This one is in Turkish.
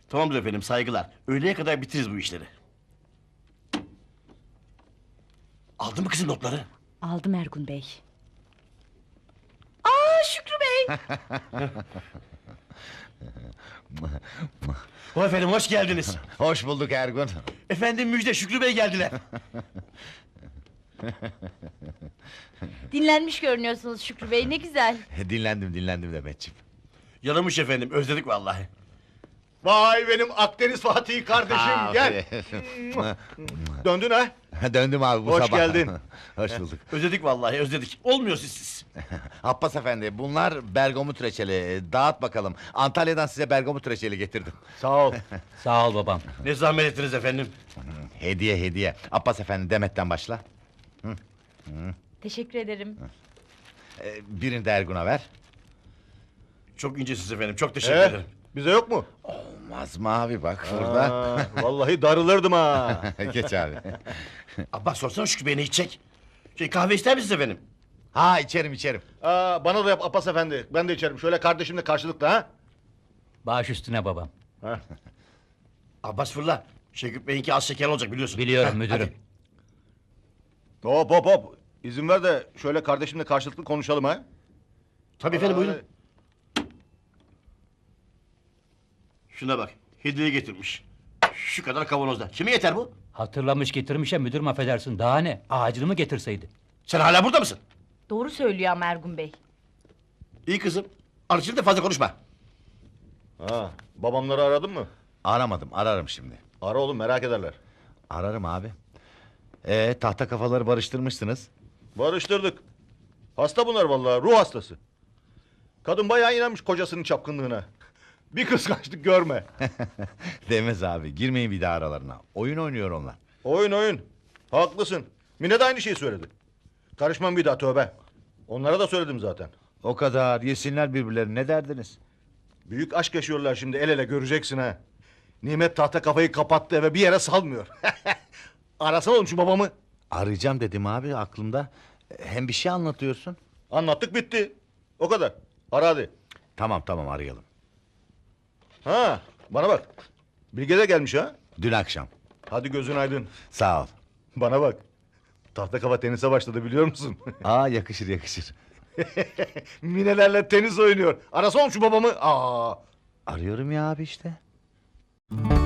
Tamamdır efendim, saygılar. Öğleye kadar bitiririz bu işleri. Aldın mı kızım notları? Aldım Ergun Bey. Şükrü Bey. O efendim, hoş geldiniz. Hoş bulduk Ergun. Efendim müjde, Şükrü Bey geldiler. Dinlenmiş görünüyorsunuz Şükrü Bey, ne güzel. Dinlendim Demetciğim. Yaramış efendim, özledik vallahi. Vay benim Akdeniz Fatih kardeşim gel. Döndün ha? Döndüm abi bu Hoş sabah. geldin. Hoş bulduk. Özledik vallahi, özledik. Olmuyor sizsiz. Abbas efendi, bunlar bergamot reçeli. Dağıt bakalım. Antalya'dan size bergamot reçeli getirdim. Sağ ol. Sağ ol babam. Ne zahmet ettiniz efendim. Hediye. Abbas efendi, Demet'ten başla. Teşekkür ederim. Birini de Ergun'a ver. Çok incesiz efendim, çok teşekkür Ee, ederim. bize yok mu? Olmaz mı abi, bak burada. Vallahi darılırdım ha. Geç abi. Abbas sorsana Şükrü Bey ne içecek? Kahve ister misiniz efendim? Ha, içerim. Bana da yap Abbas efendi. Ben de içerim. Şöyle kardeşimle karşılıklı ha. Baş üstüne babam. Abbas fırla. Şükrü Bey'inki az şeker olacak biliyorsun. Biliyorum Heh, müdürüm. hadi. Hop. İzin ver de şöyle kardeşimle karşılıklı konuşalım ha. Tabii efendim buyurun. Şuna bak, hediye getirmiş. Şu kadar kavanozda. Kime yeter bu? Hatırlamış getirmiş ya müdürüm, affedersin. Daha ne? Ağacını mı getirseydi? Sen hala burada mısın? Doğru söylüyor ama Ergun Bey. İyi kızım. Arçın da fazla konuşma. Babamları aradın mı? Aramadım, ararım şimdi. Ara oğlum, merak ederler. Ararım abi. Tahta kafaları barıştırmışsınız. Barıştırdık. Hasta bunlar vallahi, ruh hastası. Kadın bayağı inanmış kocasının çapkınlığına. Bir kıskançlık görme. Demez abi, girmeyin bir daha aralarına. Oyun oynuyor onlar. Oyun. Haklısın. Mine de aynı şeyi söyledi. Karışmam bir daha, tövbe. Onlara da söyledim zaten. O kadar, yesinler birbirlerini, ne derdiniz? Büyük aşk yaşıyorlar şimdi, el ele göreceksin ha. Nimet tahta kafayı kapattı eve, bir yere salmıyor. Arasana oğlum şu babamı. Arayacağım dedim abi, aklımda. Hem bir şey anlatıyorsun. Anlattık bitti. O kadar. Ara hadi. Tamam, arayalım. Ha, bana bak. Bilge de gelmiş ha. Dün akşam. Hadi gözün aydın. Sağ ol. Bana bak. Tahta kafa tenise başladı biliyor musun? Aa, yakışır. Minelerle tenis oynuyor. Arasana oğlum şu babamı. Arıyorum ya abi işte.